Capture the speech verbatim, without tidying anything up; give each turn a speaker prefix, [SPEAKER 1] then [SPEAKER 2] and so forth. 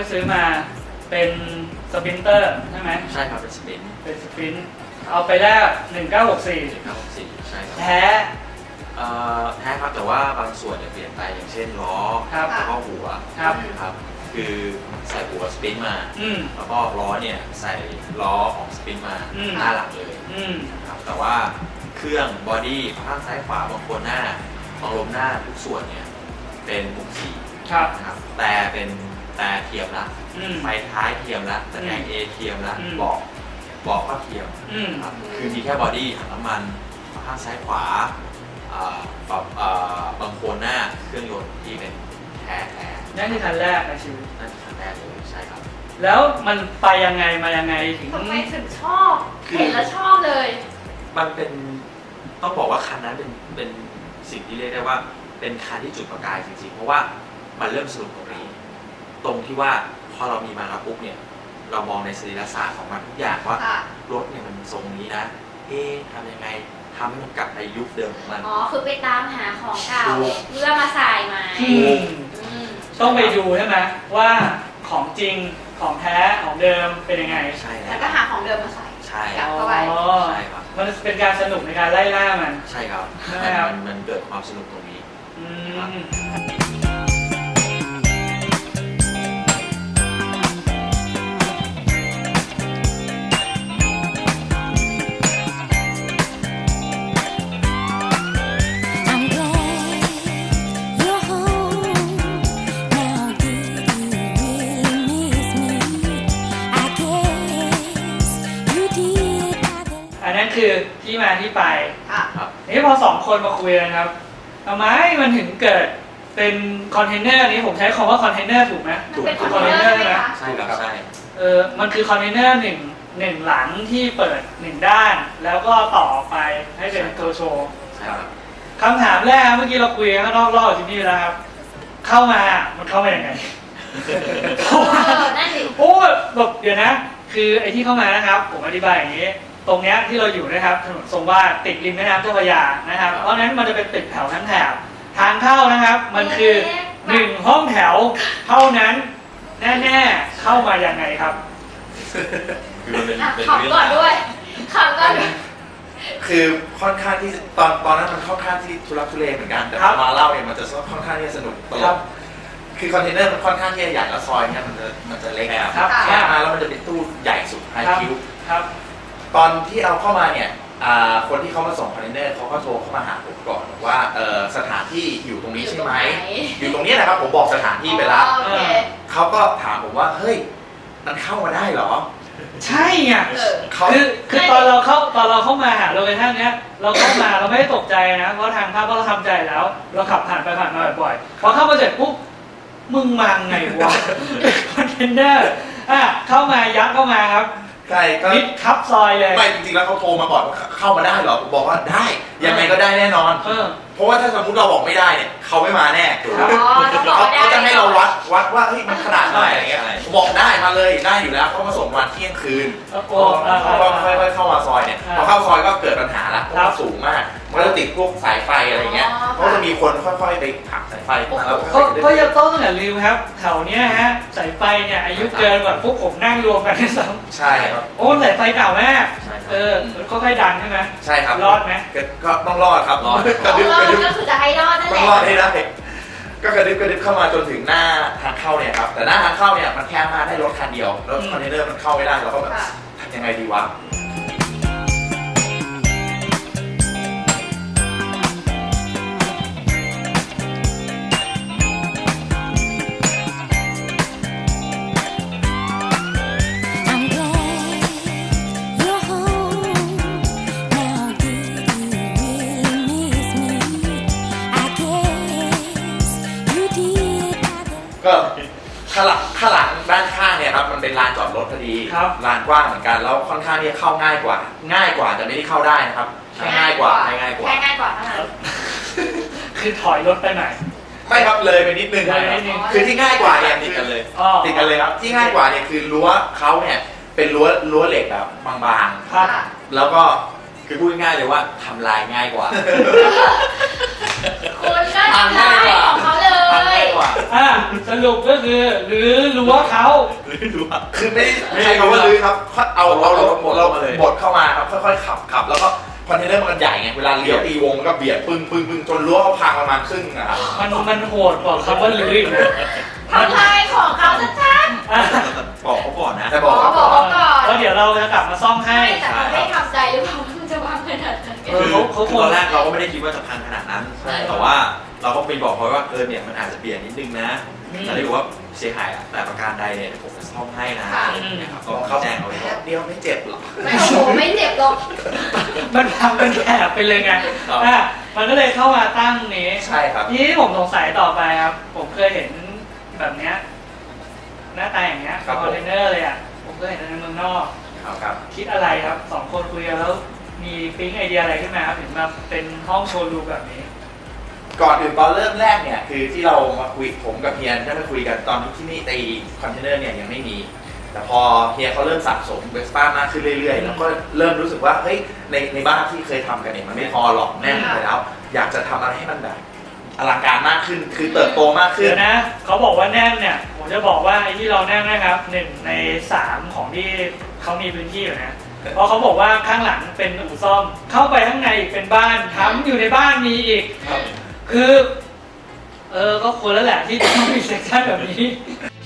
[SPEAKER 1] ซื้อมาเป็นสปรินเตอร์ใช่ไหม
[SPEAKER 2] ใช่ครับเป็นสปรินต์
[SPEAKER 1] เป็นสปรินต์เอาไปแลกหนึ่งเก้าหกสี่
[SPEAKER 2] หนึ่งเก้าหกสี่ใช่ครับ
[SPEAKER 1] แท้
[SPEAKER 2] เอ่อแท้ครับแต่ว่าบางส่วนเนี่ยเปลี่ยนไปอย่างเช่นล้อแล้วก็หัว
[SPEAKER 1] ครับ
[SPEAKER 2] ครับคือใส่หัวสปรินต์มาแล้วก็ล้อเนี่ยใส่ล้อของสปรินต์มาหน้าหลังเลยครับแต่ว่าเครื่องบอดี้ข้างซ้ายขวาบางคนหน้าบางลมหน้าทุกส่วนเนี่ยเป็นมุกสีนะครับแต่เป็นแต่เทียมละไฟท้ายเทียมละตะแกรงเอเทียมละเบาะเบาะก็เทียมครับคือมีแค่บอดี้ถังน้ำมันข้างซ้ายขวาบางโคนหน้าเครื่องยนต์ที่เป็นแท้แท้
[SPEAKER 1] นั่นคือคันแรกในชีวิต
[SPEAKER 2] นั่นคือคันแรกเลยใช่ครับ
[SPEAKER 1] แล้วมันไปยังไงมายังไงถึง
[SPEAKER 3] ทำไมถึงชอบเห็นแล้วชอบเลย
[SPEAKER 2] มันเป็นต้องบอกว่าคันนั้นเป็นเป็นสิ่งที่เรียกได้ว่าเป็นคันที่จุดประกายจริงๆเพราะว่ามันเริ่มสนุกตรงนี้ตรงที่ว่าพอเรามีมาแล้วปุ๊บเนี่ยเรามองในสรีระศาสตร์ของมันทุกอย่างว่ารถเนี่ยมันทรงนี้นะเอ๊ะทำยังไงทำให้มันกลับในยุคเดิมของมัน
[SPEAKER 3] อ๋อคือไปตามหาของเก่าเพื่อมาใส่ใหม่
[SPEAKER 1] ต้องไปดูใช่ไหมว่าของจริงของแท้ของเดิมเป็นยังไง
[SPEAKER 2] ใช่
[SPEAKER 3] แล้วก็หาของเดิมมาใส่
[SPEAKER 2] ใช่
[SPEAKER 3] กลับเข้าไป
[SPEAKER 2] ใช่ครับ
[SPEAKER 1] มันเป็นการสนุกในการไล่ล่ามัน
[SPEAKER 2] ใช่ครับมันมันเกิดความสนุกตรงนี้
[SPEAKER 1] คือที่มาที่ไปนี่พอสองคนมาคุยกันครับทำไมมันถึงเกิดเป็นคอนเทนเนอร์นี้ผมใช้คำว่าคอนเทนเนอร์ถูกไหม
[SPEAKER 3] ถูกคอนเทนเนอร์ใช่ไหม
[SPEAKER 2] ใช่ครับใช่
[SPEAKER 1] เออมันคือคอนเทนเนอร์หนึ่งหนึ่งหลังที่เปิดหนึ่งด้านแล้วก็ต่อไปให้เป็นตัวโชว์คำถามแรกเมื่อกี้เราคุยกันข้างนอกรอบที่นี่แล้วครับเข้ามามันเข้ามาอย่างไงโอ้แบบเดี๋ยวนะคือไอ้ที่เข้ามานะครับผมอธิบายอย่างนี้ตรงนี้ที่เราอยู่นะครับถนนทรงวาดติดริมแม่น้ำเจ้าพระยานะครับเพราะฉะนั้นมันจะเป็นตึกแถวทั้งแถบทางเข้านะครับมันคือหนึ่งห้องแถวเท่านั้นแน่ๆเข้ามาอย่างไงครับ
[SPEAKER 2] คือมันเป็น
[SPEAKER 3] ขำก่อนด้วยขำก่อน
[SPEAKER 4] คือค่อนข้างที่ตอนตอนนั้นมันค่อนข้างที่ทุลักทุเลเหมือนกันแต่มาเล่าเนี่ยมันจะค่อนข้างที่จะสนุกตลอดคือคอนเทนเนอร์มันค่อนข้างที่จะใหญ่แล้วซอยเนี่ยมันจะมันจะเล็ก
[SPEAKER 1] ครับ
[SPEAKER 4] แค่มาแล้วมันจะเป็นตู้ใหญ่สุดไฮคิว
[SPEAKER 1] ครับ
[SPEAKER 4] ตอนที่เอาเข้ามาเนี่ยคนที่เขามาส่งคอนเทนเนอร์เขาก็โทรเข้ามาหาผมก่อนว่าสถานที่อยู่ตรงนี้ใช่ไหมอยู่ตรงนี้นะครับผมบอกสถานที่ไปแล้วเขาก็ถามผมว่าเฮ้ยมันเข้ามาได้เหรอ
[SPEAKER 1] ใช่ไงคือคือตอนเราเข้าตอนเราเข้ามาหาโลเคชั่นเนี้ยเราเข้ามาเราไม่ได้ตกใจนะเพราะทางภาพเราทำใจแล้วเราขับผ่านไปผ่านมาบ่อยๆพอเข้ามาเสร็จปุ๊บมึงมาไงวะคอนเทนเนอร์อ่ะเข้ามายัดเข้ามาครับ
[SPEAKER 4] ใช่ก็
[SPEAKER 1] มิดคับซอยเลย
[SPEAKER 4] ไม่จริงๆแล้วเขาโทรมาก่อนว่าเข้ามาได้เหรอผมบอกว่าได้ยังไงก็ได้แน่นอนเพราะว่าถ้าสมมติเราบอกไม่ได้เนี่ยเขาไม่มาแน่เขาจะให้เราวัดวัดว่าเฮ้ยมันขนาดไหนอะไรเงี้ยบอกได้มาเลยได้อยู่แล้วเขามาส่งวันเที่ยงคืนเขาก็ค่อยๆเข้ามาซอยเนี่ยพอเข้าซอยก็เกิดปัญหาละเพราะมันสูงมากมันจะติดพวกสายไฟอะไรเงี้ยเขาจะมีคนค่อยๆไปผลักสายไฟมาแล้ว
[SPEAKER 1] ก็ยังต้องอย่าลืมครับแถวเนี้ยฮะสายไฟเนี่ยอายุเกินกว่าพวกผมนั่งรวมกันที่ซ้
[SPEAKER 4] ำใช่ครับ
[SPEAKER 1] โอ้สายไฟเก่ามากเออก็ค่อยดันใช่ไหม
[SPEAKER 4] ใช่ครับ
[SPEAKER 1] รอดไหม
[SPEAKER 4] ก็ต้องรอดครับ
[SPEAKER 3] รอดกระดึ๊บกระดึ๊บก็คือจะให้รอดนั่นแหละ
[SPEAKER 4] ต้องรอดให้ได้ก็กระดึ๊บกระดึ๊บเข้ามาจนถึงหน้าทางเข้าเนี่ยครับแต่หน้าทางเข้าเนี่ยมันแค่มาได้รถคันเดียวแล้วคอนเทนเนอร์มันเข้าไม่ได้เราก็แบบทำยังไงดีวะก็ข้างหลังข้างหลังด้านข้างเนี่ยครับมันเป็นลานจอดรถพอดีลานกว้างเหมือนกันแล้วค่อนข้างที่จะเข้าง่ายกว่าง่ายกว่าจะไม่ได้เข้าได้นะครับแค่ง่ายกว่าแค่ง่ายกว่า
[SPEAKER 3] แค่ง่ายกว่าเท่านั้น
[SPEAKER 1] คือถอยรถไปไหน
[SPEAKER 4] ไม่ครับเลยไปนิดนึงคือที่ง่ายกว่าเนี่ย
[SPEAKER 2] ติดกันเลย
[SPEAKER 4] ติดกันเลยครับที่ง่ายกว่าเนี่ยคือรั้วเขาเนี่ยเป็นรั้วรั้วเหล็กแบบบางๆแล้วก็
[SPEAKER 2] คือพูดง่ายเลยว่าทำลายง่ายกว่า
[SPEAKER 3] คุณก็ทำลายของเขาเลย
[SPEAKER 1] โอ่าสรุปก็คือหรือรั้วเขา
[SPEAKER 2] หรือดูว่า
[SPEAKER 4] คือไม่ได้ใช้คำว่าลื้อครับเอาเอาเราเราบดเข้ามาครับค่อยๆขับขับแล้วก็คอนเทนเนอร์มันใหญ่ไงเวลาเลี้ยวตีวงมันก็เบียดปึ้งปึ้งปึ้งจนรั้วเขาพังประมาณครึ่งนะครับ
[SPEAKER 1] มันมันโหดกว่าคำว่าลื้ออีกนะ
[SPEAKER 3] ทำลายของเขาชัด
[SPEAKER 1] อ่ะ
[SPEAKER 2] บอกเขาก่อนนะ
[SPEAKER 4] แต่
[SPEAKER 3] ๆ
[SPEAKER 4] บอก
[SPEAKER 3] ขอบอกเขาก่อน
[SPEAKER 1] แล้วเดี๋ยวเราจะกลับมาซ่อมให้
[SPEAKER 3] ไม่แต่เขาไม่ทำใจหรือเปล่าว่ามันจะวางขนาดนั้น
[SPEAKER 1] เออเขาเขา
[SPEAKER 2] คือตอนแรกเราก็ไม่ได้คิดว่าจะพังขนาดนั้น
[SPEAKER 4] ใช่
[SPEAKER 2] แต่ว่าเราก็ไปบอกเขาว่าเออเนี่ยมันอาจจะเปลี่ยนนิดนึงนะ
[SPEAKER 1] อืม
[SPEAKER 2] แต่ที่บอกว่าเสียหายแต่ประการใดเนี่ยเดี๋ยวผมจะซ่อมให้นะอะไรอย่างเงี้ยครับก็
[SPEAKER 4] เขา
[SPEAKER 2] แจ้งเอาไว้ก่
[SPEAKER 4] แป๊
[SPEAKER 2] อน
[SPEAKER 4] บเดียวไม่เจ็บหรอก
[SPEAKER 3] ไม่โอ้โหไม่เจ็บหรอก
[SPEAKER 1] มันทำเป็นแถบไปเลยไง
[SPEAKER 2] ครับ
[SPEAKER 1] อ่ะมันก็เลยเข้ามาตั้งนี้
[SPEAKER 4] ใช่ครับ
[SPEAKER 1] ทีนี้ผมสงสัยต่อไปครับ ผมเคยเห็นแบบเนี้ยหน้าตาอย่างเงี้ย
[SPEAKER 4] ครับ
[SPEAKER 1] ค
[SPEAKER 4] ผม
[SPEAKER 1] อนเทนเนอร์เลยอ่ะ ผมเคยเห็นในเมืองนอก
[SPEAKER 4] ครับครับ
[SPEAKER 1] คิดอะไรครับสองคนคุยกันแล้วมีปิ๊งไอเดียอะไรขึ้นมาครับถึงมาเป็นห้องโชว์รูมแบบนี้
[SPEAKER 4] ก่อนอื่นตอนเริ่มแรกเนี่ยคือที่เรามาคุยผมกับเฮียได้มาคุยกันตอนที่ที่นี่ตีคอนเทนเนอร์เนี่ยยังไม่มี แต่พอเฮียเขาเริ่มสะสมเวสป้ามากขึ้นเรื่อยๆแล้วก็เริ่มรู้สึกว่าเฮ้ยในในบ้านที่เคยทำกันเนี่ยมันไม่พอหรอกแน่นไปแล้ว อยากจะทำอะไรให้มันแบบอลังการมากขึ้น คือเติบโตมากขึ้น
[SPEAKER 1] เดี๋ยวนะเขาบอกว่าแน่นเนี่ย ผมจะบอกว่าไอ้ที่เราแน่นนะครับหนึ่งในสามของที่เขามีพื้นที่อยู่นะ เพราะเขาบอกว่าข้างหลังเป็นอู่ซ่อม เข้าไปข้างในอีกเป็นบ้านทำอยู่ในบ้านมีอีก
[SPEAKER 4] ครับ
[SPEAKER 1] คือ เออก็ควรแล้วแหละที่จะต้องมีเซ็กชันแบบนี้